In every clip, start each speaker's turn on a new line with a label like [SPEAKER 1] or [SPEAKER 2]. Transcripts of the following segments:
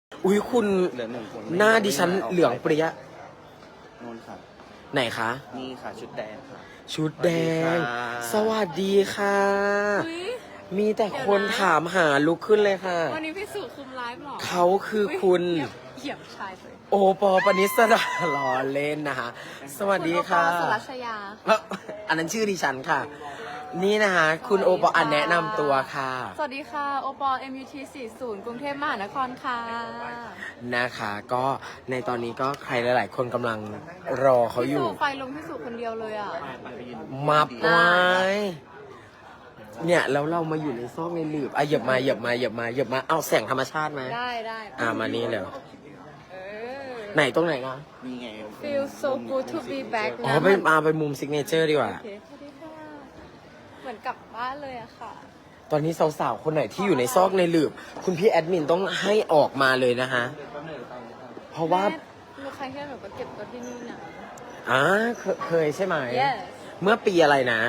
[SPEAKER 1] อุ้ยคุณ
[SPEAKER 2] เหลือ1 คน
[SPEAKER 1] หน้าดิฉันเหลืองเปรี้ย
[SPEAKER 2] นู่นค่ะ
[SPEAKER 1] ไหนคะ
[SPEAKER 2] นี่ค่ะชุดแดงค่ะ
[SPEAKER 1] ชุดแดง สวัสดีค่ะ
[SPEAKER 3] อุ๊ย
[SPEAKER 1] มีแต่คนถามหาลุกขึ้นเลยค่ะ
[SPEAKER 3] วันนี้พี่สุคุมไลฟ์หรอ
[SPEAKER 1] เขาคือคุณ
[SPEAKER 3] เหยียบชายเลย
[SPEAKER 1] โอปอปนิสดาล้อเล่นนะคะ สวัสดีค่ะ
[SPEAKER 3] ณโอปอล์สุรัชยา
[SPEAKER 1] อันนั้นชื่อดิฉันค่ะ นี่นะคะ คุณโอปอแนะนำตัวค่ะ
[SPEAKER 3] สวัสดีค่ะ โอปอล์ MUT 40 กรุงเทพมหานครค่ะ
[SPEAKER 1] นะคะ ก็ในตอนนี้ก็ใครหลาย ๆ คนกำลังรอเขาอยู่
[SPEAKER 3] พี่สุไฟลงพี่สุคนเดียวเลยอ่ะ
[SPEAKER 1] มับไว้เนี่ยแล้วเรามาอยู่ในซอกในหลืบอ่ะเหยียบมาเอาแสงธรรมชาติมา
[SPEAKER 3] ได้
[SPEAKER 1] มานี่เลย
[SPEAKER 3] เออ
[SPEAKER 1] ไหนตรงไหนนะ
[SPEAKER 2] นี่ไง
[SPEAKER 3] Feel so good to be back
[SPEAKER 1] อ๋อ
[SPEAKER 3] นะ
[SPEAKER 1] ไปมุมซิกเนเจอร์ดีกว่า
[SPEAKER 3] โอเคสวัสดีค่ะ เหมือนกลับบ้านเลยอะค่ะ
[SPEAKER 1] ตอนนี้สาวๆ คนไหนที่อยู่ในซอกในหลืบ คุณพี่แอดมินต้องให้ออกมาเลยนะคะ เพราะว่า
[SPEAKER 3] แม่หนูใครแค่หนูก็เก็บตัวที่นี่นะ
[SPEAKER 1] เคยใช่ไหม
[SPEAKER 3] Yes
[SPEAKER 1] เมื่อปีอะไรนะ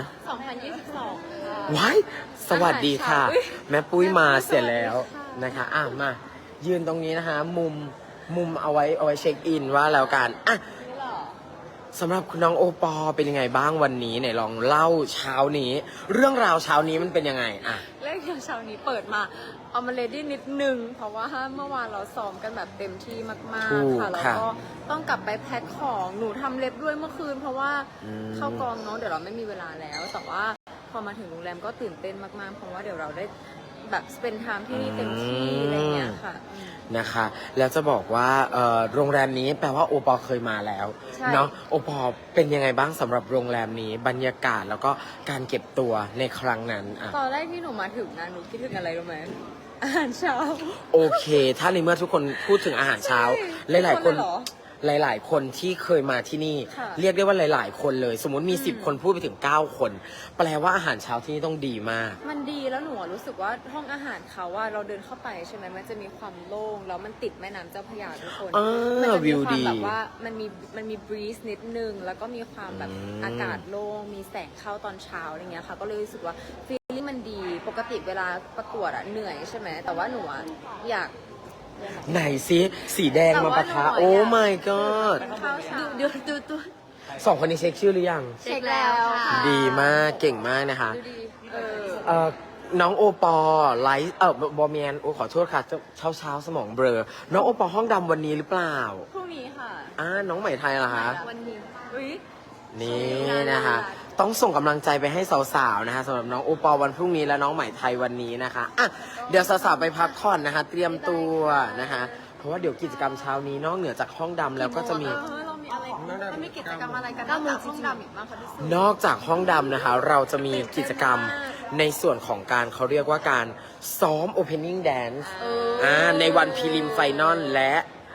[SPEAKER 3] 2022 ค่ะ
[SPEAKER 1] ว้ายสวัสดีค่ะ
[SPEAKER 3] อาหารเช้าอุ๊ย
[SPEAKER 1] แม่ปุ้ยมาเสร็จแล้ว
[SPEAKER 3] สวัสดีค่ะ
[SPEAKER 1] นะคะมายืนตรงนี้นะคะ มุมเอาไว้เช็คอินว่าแล้วกันอ่ะ
[SPEAKER 3] นี่เหรอ
[SPEAKER 1] สำหรับคุณน้องโอปอเป็นยังไงบ้างวันนี้ไหนลองเล่าเช้านี้ เรื่องราวเช้านี้มันเป็นยังไงอ่ะ
[SPEAKER 3] เรื่องเช้านี้เปิดมาเอามาเลดี้นิดนึง เพราะว่าเมื่อวานเราซ้อมกันแบบเต็มที่มาก
[SPEAKER 1] ถูก
[SPEAKER 3] ๆ ค่ะ แล้ว
[SPEAKER 1] ค่ะ
[SPEAKER 3] ก็ต้องกลับไปแพ็คของหนูทำเล็บด้วยเมื่อคืน เพราะว่า
[SPEAKER 1] อืม
[SPEAKER 3] เข้ากองเนาะเดี๋ยวเราไม่มีเวลาแล้ว แต่ว่าพอมาถึงโรงแรมก็ตื่นเต้นมากๆ เพราะว่าเดี๋ยวเราได้แบบสเปนไทม์ที่นี่เต็มที่อะไรเงี้ยค่ะอืม
[SPEAKER 1] นะคะ แล้วจะบอกว่าโรงแรมนี้แปลว่าโอปอเคยมาแล้ว
[SPEAKER 3] ใช่
[SPEAKER 1] เนาะโอปอเป็นยังไงบ้างสำหรับโรงแรมนี้บรรยากาศแล้วก็การเก็บตัวในครั้งนั้นอ่ะ
[SPEAKER 3] ตอนแรกที่หนูมาถึงนะหนูคิดถึงอะไรรู้ไหมอาหารเช้า
[SPEAKER 1] โอเค ถ้าในเมื่อทุกคนพูดถึงอาหารเช้า
[SPEAKER 3] ใช่
[SPEAKER 1] หลายๆคน
[SPEAKER 3] ทุกคนเลยเหรอ
[SPEAKER 1] หลาย ๆ คนที่เคยมาที่นี่
[SPEAKER 3] ค่ะ
[SPEAKER 1] เรียกได้ว่าหลาย ๆ คนเลย สมมติมี
[SPEAKER 3] อืม
[SPEAKER 1] 10 คนพูดไปถึง 9 คน แปลว่าอาหารเช้าที่นี่ต้องดีมาก
[SPEAKER 3] มันดีแล้วหนูอะรู้สึกว่าห้องอาหารเขาว่าเราเดินเข้าไปใช่ไหมมันจะมีความโล่งแล้วมันติดแม่น้ำเจ้าพระยาทุกคน
[SPEAKER 1] อ่า
[SPEAKER 3] มัจะ
[SPEAKER 1] วิ
[SPEAKER 3] มี
[SPEAKER 1] ว
[SPEAKER 3] ควา
[SPEAKER 1] ดี
[SPEAKER 3] มแบบว่ามันมีบรีสนิดนึงแล้วก็มีความแบบ
[SPEAKER 1] อืม
[SPEAKER 3] อากาศโล่งมีแสงเข้าตอนเช้าอะไรเงี้ยค่ะ ก็เลยรู้สึกว่าฟีลลิ่งมันดีปกติเวลาประกวดอะเหนื่อยใช่ไหมแต่ว่าหนูอะอยาก
[SPEAKER 1] ไหนซิสีแดงมาปะทะ
[SPEAKER 3] แต่ว่าหนูอะ
[SPEAKER 1] โอ้ my god
[SPEAKER 3] ข้าวเช้าดูตัว
[SPEAKER 1] สองคนนี้เช็คชื่อหรือยัง
[SPEAKER 3] เช็คแล้วค่ะ
[SPEAKER 1] ดีมากเก่งมากนะคะ
[SPEAKER 3] ดูดี
[SPEAKER 1] เอ่อน้องโอปอไลฟ์บอมแมนโอขอโทษค่ะเช้าสมองเบลอ น้องโอปอห้องดำวันนี้หรือเปล่า
[SPEAKER 3] พรุ่งนี้ค่ะ
[SPEAKER 1] น้องใหม่ไทยเหรอคะ
[SPEAKER 3] วันนี้อุ๊ย
[SPEAKER 1] นี่นะคะ ต้องส่งกำลังใจไปให้สาวๆนะคะสำหรับน้องโอปอวันพรุ่งนี้และน้องใหม่ไทยวันนี้นะคะอ่ะเดี๋ยวสาวๆไปพักผ่อนนะคะ เตรียมตัวนะคะ เพราะว่าเดี๋ยวกิจกรรมเช้านี้นอกเหนือจากห้องดำแล้วก็จะมี
[SPEAKER 3] เรามีอะไรเรามีกิจกรรมอะไรกันนอกจากห้องดำอีกบ้างคะพี่สุ
[SPEAKER 1] นอกจากห้องดำนะคะ เราจะมีกิจกรรมในส่วนของการเขาเรียกว่าการซ้อม opening dance ในวันพรีลิมไฟนอลและ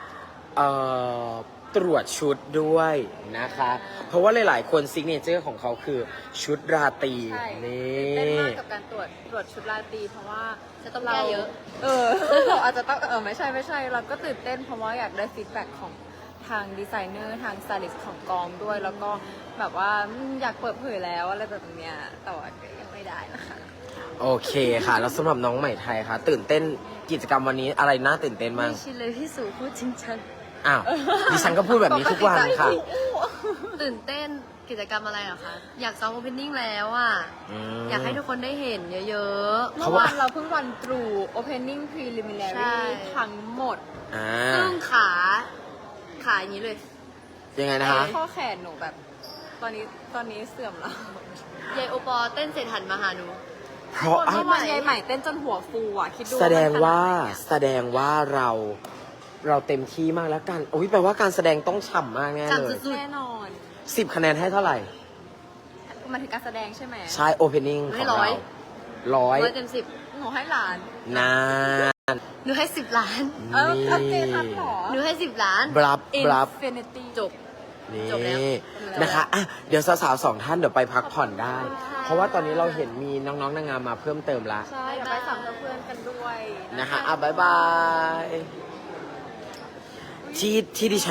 [SPEAKER 1] ตรวจชุดด้วยนะคะ เพราะว่าหลายๆคนซิกเนเจอร์ของเขาคือชุดราตรี
[SPEAKER 3] ใช่
[SPEAKER 1] นี
[SPEAKER 3] เต้นมา
[SPEAKER 1] ่
[SPEAKER 3] กกับการตรวจชุดราตรีเพราะว่า
[SPEAKER 4] จะต้องแก้เยอะ
[SPEAKER 3] เราอาจจะต้องไม่ใช่เราก็ตื่นเต้นเพราะว่าอยากได้ฟีดแบ็กของทางดีไซเนอร์ทางสไตลิสต์ของกองด้วย แล้วก็แบบว่าอยากเปิดเผยแล้วอะไรแบบเนี้ยแต่ว่าก็ยังไม่ได้นะคะ
[SPEAKER 1] โอเคค่ะ แล้วสำหรับน้องใหม่ไทยค่ะ ตื่นเต้นกิจกรรมวันนี้อะไรน่าตื่นเต้นบ้าง
[SPEAKER 4] ไม่ชินเลยพี่สูพูดจริงจัง
[SPEAKER 1] อ้าวดิฉันก็พูดแบบนี้ทุกวันค่ะ
[SPEAKER 4] ตื่นเต้นกิจกรรมอะไรเหรอคะ อยากซ้อมโอเพนนิ่งแล้วอ่ะ
[SPEAKER 1] ม
[SPEAKER 4] อยากให้ทุกคนได้เห็นเยอะ
[SPEAKER 3] เมื่อวานเราเพิ่งวันตรู opening
[SPEAKER 4] ใช่
[SPEAKER 3] preliminary ทั้งหมด
[SPEAKER 1] อ่า
[SPEAKER 4] ๆ ซึ่งขาอย่างนี้เลย
[SPEAKER 1] ยังไงนะคะ
[SPEAKER 3] ข้อแขนหนูแบบ ตอนนี้เสื่อมแล้ว
[SPEAKER 4] ยายโอปอเต้นเสร็จหันมาหาหนู
[SPEAKER 1] เพราะ
[SPEAKER 3] เมื่อวานยายใหม่เต้นจนหัวฟูอ่ะคิดดู
[SPEAKER 1] แสดงว่า
[SPEAKER 3] มันขนดไหนอะ
[SPEAKER 1] เราเต็มที่มากแล้วกันโอ้ยแปลว่าการแสดงต้องฉ่ำมากแน่เล
[SPEAKER 4] ฉ่ำ
[SPEAKER 1] ย
[SPEAKER 4] สุด
[SPEAKER 3] แน่นอน
[SPEAKER 1] 10 คะแนนให้เท่าไหร่
[SPEAKER 3] มันถึงการแสดงใช่ไหม
[SPEAKER 1] ใช่ opening
[SPEAKER 4] ให้
[SPEAKER 1] ของ
[SPEAKER 4] ร้อ
[SPEAKER 1] เรา
[SPEAKER 4] ย
[SPEAKER 1] ร้อย
[SPEAKER 4] 100 เต็ม 10
[SPEAKER 3] หนูให้หลาน
[SPEAKER 1] นาน
[SPEAKER 4] หนูให้ 10 ล้าน
[SPEAKER 3] เอาเจทับหรอ
[SPEAKER 4] หนูให้ 10 ล้าน
[SPEAKER 1] บลับ
[SPEAKER 3] Infinity
[SPEAKER 4] จบ
[SPEAKER 1] นี่
[SPEAKER 4] จบแล้ว
[SPEAKER 1] นะคะอ่ะเดี๋ยวสาวๆ2 ท่านเดี๋ยวไปพักผ่อนได้
[SPEAKER 3] ขอบคุณค่ะ
[SPEAKER 1] เพราะว่าตอนนี้เราเห็นมีน้องๆนางงามมาเพิ่มเติมละ
[SPEAKER 3] ใช่เดี๋ยวไปสัมภาษณ์เพื่อนกันด้วย
[SPEAKER 1] นะคะอ่ะบ๊ายบายที่ดิฉัน